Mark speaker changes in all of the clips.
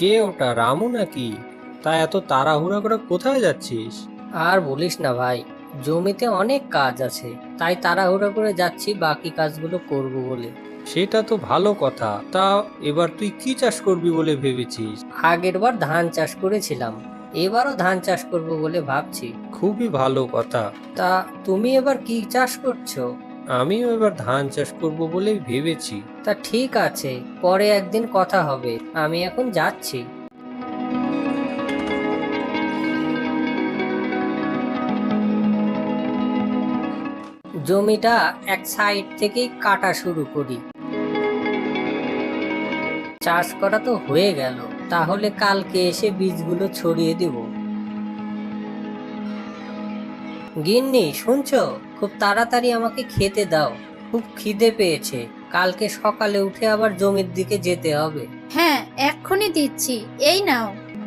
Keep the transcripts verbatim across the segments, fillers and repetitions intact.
Speaker 1: কে ওটা, রামু নাকি? তা এত তাড়াহুড়া করে কোথায় যাচ্ছিস?
Speaker 2: আর বলিস না ভাই, জমিতে অনেক কাজ আছে, তাই তাড়াহুড়ো করে যাচ্ছি বাকি কাজগুলো করব বলে।
Speaker 1: সেটা তো ভালো কথা। তা এবার তুই কি চাষ করবি বলে ভেবেছিস?
Speaker 2: আগের বার ধান চাষ করেছিলাম, এবারও ধান চাষ করব বলে ভাবছি।
Speaker 1: খুবই ভালো কথা।
Speaker 2: তা তুমি এবার কি চাষ করছো?
Speaker 1: আমিও এবার ধান চাষ করব বলেই ভেবেছি।
Speaker 2: তা ঠিক আছে, পরে একদিন কথা হবে, আমি এখন যাচ্ছি। জমিটা এক সাইড থেকেই কাটা শুরু করি। চাষ করা তো হয়ে গেল, তাহলে কালকে এসে বীজগুলো ছড়িয়ে দিব। গিন্নি শুনছো, খুব তাড়াতাড়ি আমাকে খেতে দাও, খুব খিদে পেয়েছে। কালকে সকালে উঠে আবার জমির দিকে যেতে হবে।
Speaker 3: হ্যাঁ, এক্ষুনি দিচ্ছি, এই নাও।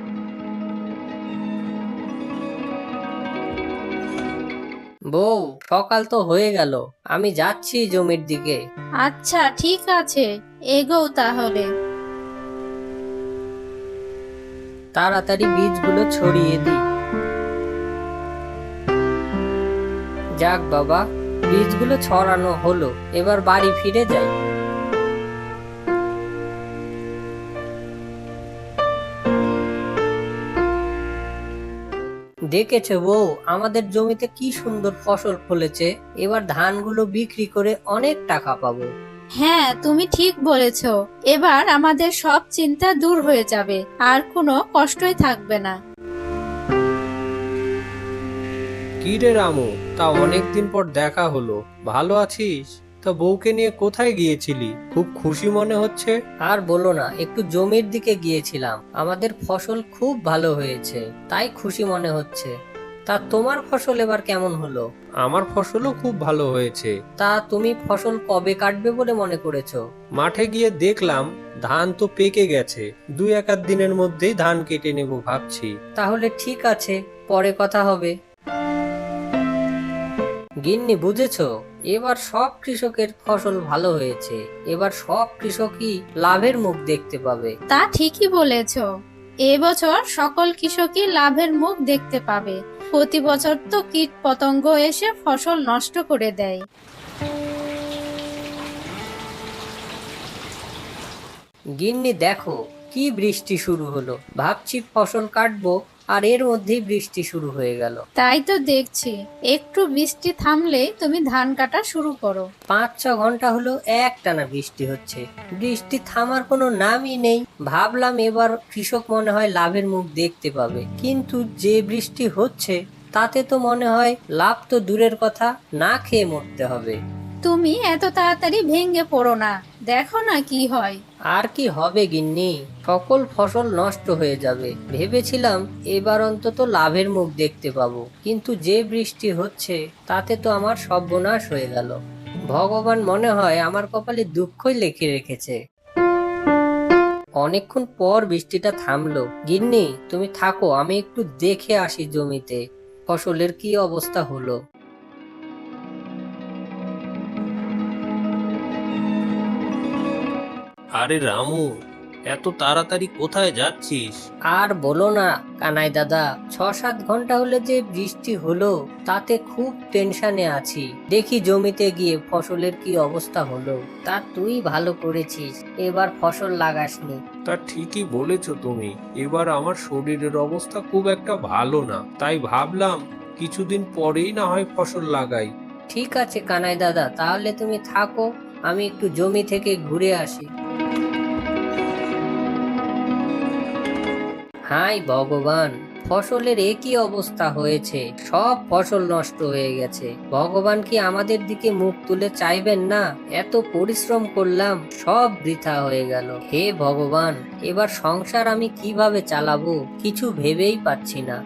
Speaker 2: বউ, সকাল তো হয়ে গেল, আমি যাচ্ছি জমির দিকে।
Speaker 3: আচ্ছা ঠিক আছে, এগোও তাহলে।
Speaker 2: তাড়াতাড়ি বীজগুলো ছড়িয়ে দিই। যাক বাবা, বীজগুলো ছড়ানো হলো, এবার বাড়ি ফিরে যাই। দেখেছো বউ, আমাদের জমিতে কি সুন্দর ফসল ফলেছে। এবার ধানগুলো বিক্রি করে অনেক টাকা পাবো।
Speaker 3: হ্যাঁ, তুমি ঠিক বলেছো। এবার আমাদের সব চিন্তা দূর হয়ে যাবে, আর কোনো কষ্টই থাকবে না।
Speaker 1: কি রে রামু, তা অনেকদিন পর দেখা হলো, ভালো আছিস? তা বউকে নিয়ে কোথায় গিয়েছিলি? খুব খুশি মনে হচ্ছে।
Speaker 2: আর বলো না, একটু জমির দিকে গিয়েছিলাম, আমাদের ফসল খুব ভালো হয়েছে, তাই খুশি মনে হচ্ছে। তা তোমার ফসল এবার কেমন হলো?
Speaker 1: আমার ফসলও খুব ভালো হয়েছে।
Speaker 2: তা তুমি ফসল কবে কাটবে বলে মনে করেছো?
Speaker 1: মাঠে গিয়ে দেখলাম ধান তো পেকে গেছে, দুই এক আধ দিনের মধ্যেই ধান কেটে নেব ভাবছি।
Speaker 2: তাহলে ঠিক আছে, পরে কথা হবে। গিন্নি বুঝেছো, এবার সব কৃষকের ফসল ভালো হয়েছে, এবার সব কৃষকই লাভের মুখ দেখতে পাবে।
Speaker 3: তা ঠিকই বলেছো। এবছর সকল কৃষকই লাভের মুখ দেখতে পাবে। প্রতি বছর তো কীট পতঙ্গ এসে ফসল নষ্ট করে দেয়।
Speaker 2: গিন্নি দেখো, কি বৃষ্টি শুরু হলো, ভাবছি ফসল কাটবো, আর এর মধ্যেই বৃষ্টি শুরু হয়ে গেল।
Speaker 3: তাই তো দেখছি, একটু বৃষ্টি থামলে তুমি ধান কাটা শুরু করো।
Speaker 2: পাঁচ ছ ঘন্টা হলো একটানা বৃষ্টি হচ্ছে, বৃষ্টি থামার কোনো নামই নেই। ভাবলাম এবার কৃষক মনে হয় লাভের মুখ দেখতে পাবে, কিন্তু যে বৃষ্টি হচ্ছে তাতে তো মনে হয় লাভ তো দূরের কথা, না খেয়ে মরতে হবে।
Speaker 3: তুমি এত তাড়াতাড়ি ভেঙে পড়ো না, দেখো না কি হয়।
Speaker 2: আর কি হবে গিন্নি, সকল ফসল নষ্ট হয়ে যাবে। ভেবেছিলাম এবার অন্তত লাভের মুখ দেখতে পাবো, কিন্তু যে বৃষ্টি হচ্ছে তাতে তো আমার সর্বনাশ হয়ে গেল। ভগবান মনে হয় আমার কপালে দুঃখই লিখে রেখেছে। অনেকক্ষণ পর বৃষ্টিটা থামলো। গিন্নি তুমি থাকো, আমি একটু দেখে আসি জমিতে ফসলের কি অবস্থা হলো।
Speaker 1: আরে রামু, এত তাড়াতাড়ি কোথায় যাচ্ছিস?
Speaker 2: আর বলো না কানাই দাদা, ছ সাত ঘন্টা হলে যে বৃষ্টি হলো, তাতে খুব টেনশনে আছি। দেখি জমিতে গিয়ে ফসলের কি অবস্থা হলো। তা তুই ভালো করেছিস, এবার ফসল লাগাসনি।
Speaker 1: তা ঠিকই বলেছো তুমি, এবার আমার শরীরের অবস্থা খুব একটা ভালো না, তাই ভাবলাম কিছুদিন পরেই না হয় ফসল লাগাই।
Speaker 2: ঠিক আছে কানাই দাদা, তাহলে তুমি থাকো, আমি একটু জমি থেকে ঘুরে আসি। হাই ভগবান, ফসলের একই অবস্থা হয়েছে, সব ফসল নষ্ট হয়ে গেছে। ভগবান কি আমাদের দিকে মুখ তুলে চাইবেন না? এত পরিশ্রম করলাম, সব বৃথা হয়ে গেল। হে ভগবান, এবার সংসার আমি কিভাবে চালাবো কিছু ভেবেই পাচ্ছি না।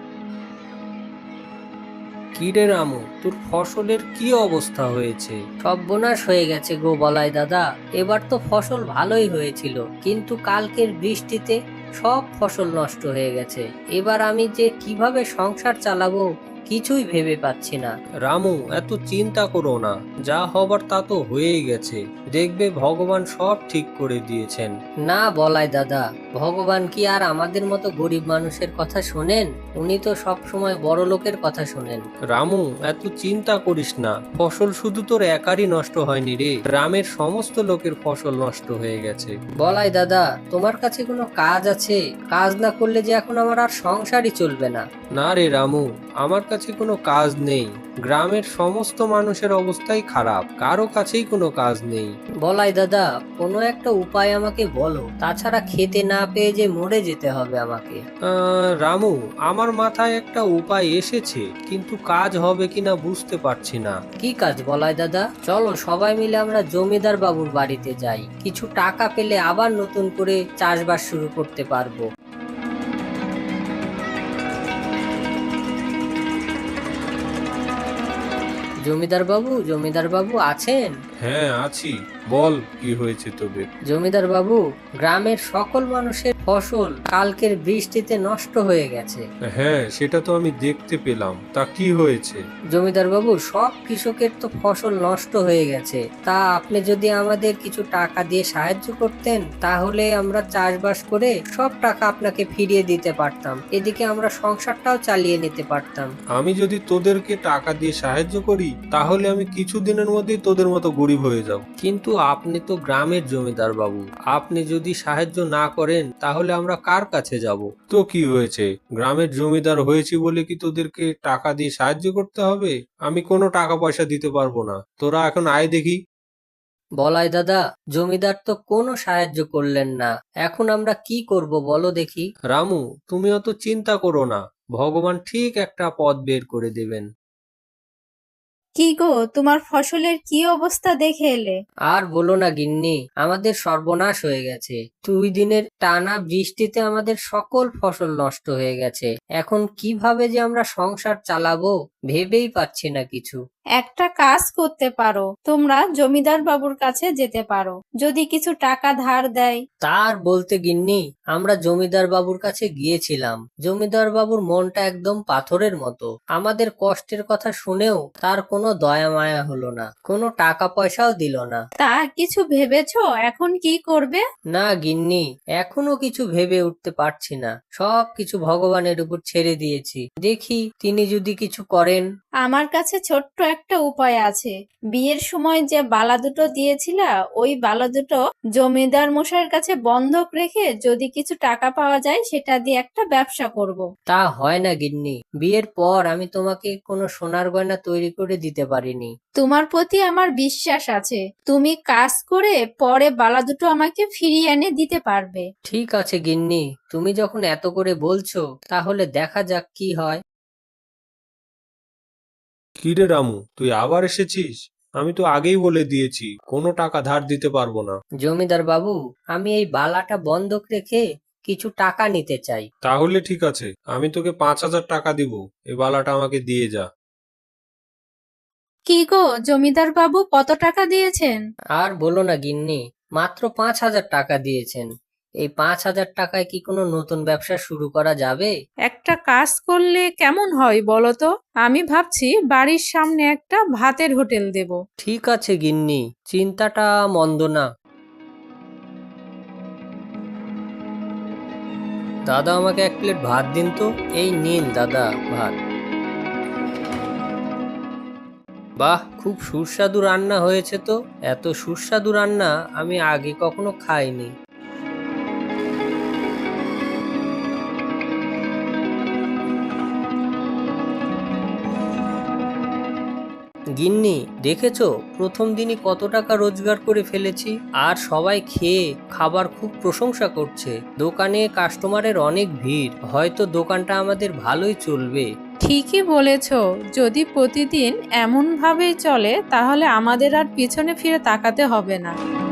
Speaker 1: কি রে রামু, তোর ফসলের কি অবস্থা হয়েছে?
Speaker 2: সর্বনাশ হয়ে গেছে গো বলাই দাদা, এবার তো ফসল ভালোই হয়েছিল, কিন্তু কালকের বৃষ্টিতে সব ফসল নষ্ট হয়ে গেছে। এবার আমি যে কিভাবে সংসার চালাবো কিছুই ভেবে পাচ্ছি না।
Speaker 1: রামু, এত চিন্তা করো না, যা হবার তা তো হয়েই গেছে। দেখবে ভগবান সব ঠিক করে দিয়েছেন।
Speaker 2: না বলাই দাদা, ভগবান কি আর আমাদের মতো গরিব মানুষের কথা শোনেন? উনি তো সব সময় বড় লোকের কথা শোনেন।
Speaker 1: রামু, এত চিন্তা করিস না, ফসল শুধু তোর একারই নষ্ট হয়নি রে, গ্রামের সমস্ত লোকের ফসল নষ্ট হয়ে গেছে।
Speaker 2: বলাই দাদা, তোমার কাছে কোনো কাজ আছে? কাজ না করলে যে এখন আমার আর সংসারই চলবে না।
Speaker 1: না রে রামু, আমার কাছে কোনো কাজ নেই। গ্রামের সমস্ত মানুষের অবস্থাই খারাপ, কারো কাছেই কোনো কাজ নেই।
Speaker 2: বলাই দাদা, কোনো একটা উপায় আমাকে বলো, তাছাড়া খেতে না পেয়ে যে মরে যেতে হবে আমাকে।
Speaker 1: আহ, রামু, আমার মাথায় একটা উপায় এসেছে, কিন্তু কাজ হবে কিনা বুঝতে পারছি না।
Speaker 2: কি কাজ বলাই দাদা? চলো সবাই মিলে আমরা জমিদার বাবুর বাড়িতে যাই, কিছু টাকা পেলে আবার নতুন করে চাষবাস শুরু করতে পারবো। জমিদার বাবু, জমিদার বাবু আছেন?
Speaker 1: হ্যাঁ আছি, বল কি হয়েছে তবে।
Speaker 2: জমিদার বাবু, গ্রামের সকল মানুষের ফসল কালকের বৃষ্টিতে নষ্ট হয়ে গেছে।
Speaker 1: হ্যাঁ, সেটা তো আমি দেখতে পেলাম, তা কি হয়েছে?
Speaker 2: জমিদার বাবু, সব কৃষকের তো ফসল নষ্ট হয়ে গেছে, তা আপনি যদি আমাদের কিছু টাকা দিয়ে সাহায্য করতেন তাহলে আমরা চাষবাস করে সব টাকা আপনাকে ফিরিয়ে দিতে পারতাম, এদিকে আমরা সংসারটাও চালিয়ে নিতে পারতাম।
Speaker 1: আমি যদি তোদেরকে টাকা দিয়ে সাহায্য করি তাহলে আমি কিছুদিনের মধ্যেই তোদের মতো গরিব হয়ে যাব। কিন্তু আপনি তো গ্রামের জমিদার বাবু, আপনি যদি সাহায্য না করেন তাহলে আমরা কার কাছে যাব? তো কি হয়েছে, গ্রামের জমিদার হয়েছি বলে কি তোদেরকে টাকা দিয়ে সাহায্য করতে হবে? আমি কোনো টাকা পয়সা দিতে পারবো না, তোরা এখন আয় দেখি।
Speaker 2: বলাই দাদা, জমিদার তো কোনো সাহায্য করলেন না, এখন আমরা কি করব বলো দেখি।
Speaker 1: রামু, তুমি অত চিন্তা করো না, ভগবান ঠিক একটা পথ বের করে দেবেন।
Speaker 3: কি গো, তোমার ফসলের কি অবস্থা দেখে এলে?
Speaker 2: আর বলো না গিন্নি, আমাদের সর্বনাশ হয়ে গেছে। দুই দিনের টানা বৃষ্টিতে আমাদের সকল ফসল নষ্ট হয়ে গেছে। এখন কিভাবে যে আমরা সংসার চালাবো ভেবেই পাচ্ছি না কিছু।
Speaker 3: একটা কাজ করতে পারো, তোমরা জমিদার বাবুর কাছে যেতে পারো, যদি কিছু টাকা ধার দেয়।
Speaker 2: তার বলতে গিন্নি, আমরা জমিদার বাবুর কাছে গিয়েছিলাম, জমিদার বাবুর মনটা একদম পাথরের মতো। আমাদের কষ্টের কথা শুনেও তার কোনো দয়া মায়া হলো না, কোনো টাকা পয়সাও দিল না।
Speaker 3: তা কিছু ভেবেছো এখন কি করবে?
Speaker 2: না গিন্নি, এখনো কিছু ভেবে উঠতে পারছি না, সব কিছু ভগবানের উপর ছেড়ে দিয়েছি, দেখি তিনি যদি কিছু করেন।
Speaker 3: আমার কাছে ছোট্ট একটা উপায় আছে। বিয়ের সময় যে বালা দুটো দিয়েছিলা, ওই বালা দুটো জমিদার মশাইয়ের কাছে বন্ধক রেখে যদি কিছু টাকা পাওয়া যায় সেটা দিয়ে একটা ব্যবসা করব।
Speaker 2: তা হয় না গিন্নি, বিয়ের পর আমি তোমাকে কোনো সোনার গয়না তৈরি করে দিতে পারিনি।
Speaker 3: তোমার প্রতি আমার বিশ্বাস আছে, তুমি কাজ করে পরে বালা দুটো আমাকে ফিরিয়ে এনে দিতে পারবে।
Speaker 2: ঠিক আছে গিন্নি, তুমি যখন এত করে বলছো তাহলে দেখা যাক কি হয়।
Speaker 1: কি রে রামু, তুই আবার এসেছিস? আমি তো আগেই বলে দিয়েছি কোনো টাকা ধার দিতে পারবো না।
Speaker 2: জমিদার বাবু, আমি এই বালাটা বন্ধক রেখে কিছু টাকা নিতে চাই।
Speaker 1: তাহলে ঠিক আছে, আমি তোকে পাঁচ হাজার টাকা দিব, এই বালাটা আমাকে দিয়ে যা।
Speaker 3: কি গো, জমিদার বাবু কত টাকা দিয়েছেন?
Speaker 2: আর বলো না গিন্নি, মাত্র পাঁচ হাজার টাকা দিয়েছেন। এই পাঁচ হাজার টাকায় কি কোনো নতুন ব্যবসা শুরু করা যাবে?
Speaker 4: একটা কাজ করলে কেমন হয় বলো তো? আমি ভাবছি বাড়ির সামনে একটা ভাতের হোটেল দেব।
Speaker 2: ঠিক আছে গিন্নি, চিন্তাটা মন্দ না। দাদা, আমাকে এক প্লেট ভাত দিন তো। এই নিন দাদা ভাত। বাহ, খুব সুস্বাদু রান্না হয়েছে তো। এত সুস্বাদু রান্না আমি আগে কখনো খাইনি। গিন্নি, দেখেছো প্রথম দিনই কত টাকা রোজগার করে ফেলেছি, আর সবাই খেয়ে খাবার খুব প্রশংসা করছে। দোকানে কাস্টমারের অনেক ভিড়, হয়তো দোকানটা আমাদের ভালোই চলবে।
Speaker 4: ঠিকই বলেছো, যদি প্রতিদিন এমন ভাবেই চলে তাহলে আমাদের আর পিছনে ফিরে তাকাতে হবে না।